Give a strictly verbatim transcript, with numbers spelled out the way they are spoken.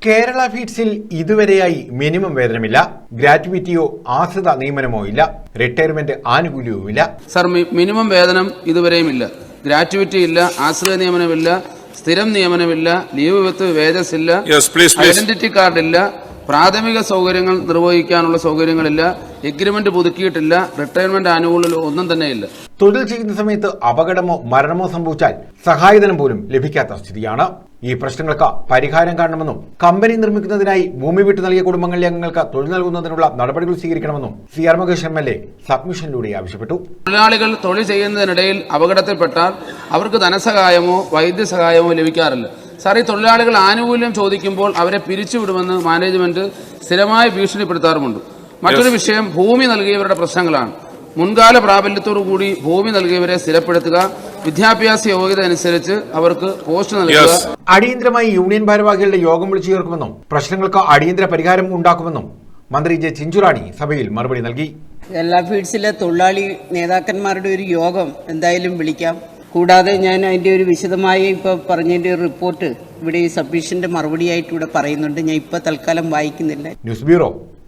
Kerala ഫീഡ്സിൽ ഇതുവരെയായി minimum വേതനമില്ല, ഗ്രാറ്റുവിറ്റിയോ ആശ്രിത നിയമനമോ ഇല്ല, retirement ആനുകൂല്യവുമില്ല. Sir, minimum വേതനം ഇതുവരെയും ഇല്ല, ഗ്രാറ്റുവിറ്റി ഇല്ല, ആശ്രിത നിയമനമില്ല, സ്ഥിരം നിയമനമില്ല, ലീവ് വിത്ത് വേജസ് ഇല്ല, ഐഡന്റിറ്റി കാർഡ് ഇല്ല, പ്രാഥമിക സൗകര്യങ്ങൾ നിർവഹിക്കാനുള്ള സൗകര്യങ്ങളില്ല, എഗ്രിമെന്റ് പുതുക്കിയിട്ടില്ല, റിട്ടയർമെന്റ് ആനുകൂല്യം ഒന്നും തന്നെയില്ല. തൊഴിൽ ചെയ്യുന്ന സമയത്ത് അപകടമോ മരണമോ സംഭവിച്ചാൽ സഹായധനം പോലും ലഭിക്കാത്ത സ്ഥിതിയാണ്. ഈ പ്രശ്നങ്ങൾക്ക് പരിഹാരം കാണണമെന്നും കമ്പനി നിർമ്മിക്കുന്നതിനായി ഭൂമി വിട്ടു നൽകിയ കുടുംബങ്ങളിലെ അംഗങ്ങൾക്ക് തൊഴിൽ നൽകുന്നതിനുള്ള നടപടികൾ സ്വീകരിക്കണമെന്നും C R Mahesh M L A സബ്മിഷനിലൂടെ ആവശ്യപ്പെട്ടു. തൊഴിലാളികൾ തൊഴിൽ ചെയ്യുന്നതിനിടയിൽ അപകടത്തിൽപ്പെട്ടാൽ അവർക്ക് ധനസഹായമോ വൈദ്യസഹായമോ ലഭിക്കാറില്ല. സാർ, ഈ തൊഴിലാളികൾ ആനുകൂല്യം ചോദിക്കുമ്പോൾ അവരെ പിരിച്ചുവിടുമെന്ന് മാനേജ്മെന്റ് സ്ഥിരമായി ഭീഷണിപ്പെടുത്താറുമുണ്ട്. മറ്റൊരു വിഷയം ഭൂമി നൽകിയവരുടെ പ്രശ്നങ്ങളാണ്. മുൻകാല പ്രാബല്യത്തോടുകൂടി ഭൂമി നൽകിയവരെ സ്ഥിരപ്പെടുത്തുക, വിദ്യാഭ്യാസ യോഗ്യത അനുസരിച്ച് അവർക്ക് പോസ്റ്റ് നൽകുക. അടിയന്തരമായി യൂണിയൻ ഭാരവാഹികളുടെ യോഗം വിളിച്ചു ചേർക്കുമെന്നും പ്രശ്നങ്ങൾക്ക് അടിയന്തര പരിഹാരം ഉണ്ടാക്കുമെന്നും മന്ത്രി ജെ ചിഞ്ചുറാണി സഭയിൽ മറുപടി നൽകി. കേരള ഫീഡ്സിലെ തൊഴിലാളി നേതാക്കന്മാരുടെ ഒരു യോഗം എന്തായാലും വിളിക്കാം. കൂടാതെ ഞാൻ അതിൻ്റെ ഒരു വിശദമായി ഇപ്പോൾ പറഞ്ഞതിൻ്റെ ഒരു റിപ്പോർട്ട് ഇവിടെ ഈ സബ്മിഷന്റെ മറുപടിയായിട്ട് ഇവിടെ പറയുന്നുണ്ട്. ഞാൻ ഇപ്പോൾ തൽക്കാലം വായിക്കുന്നില്ല. News bureau.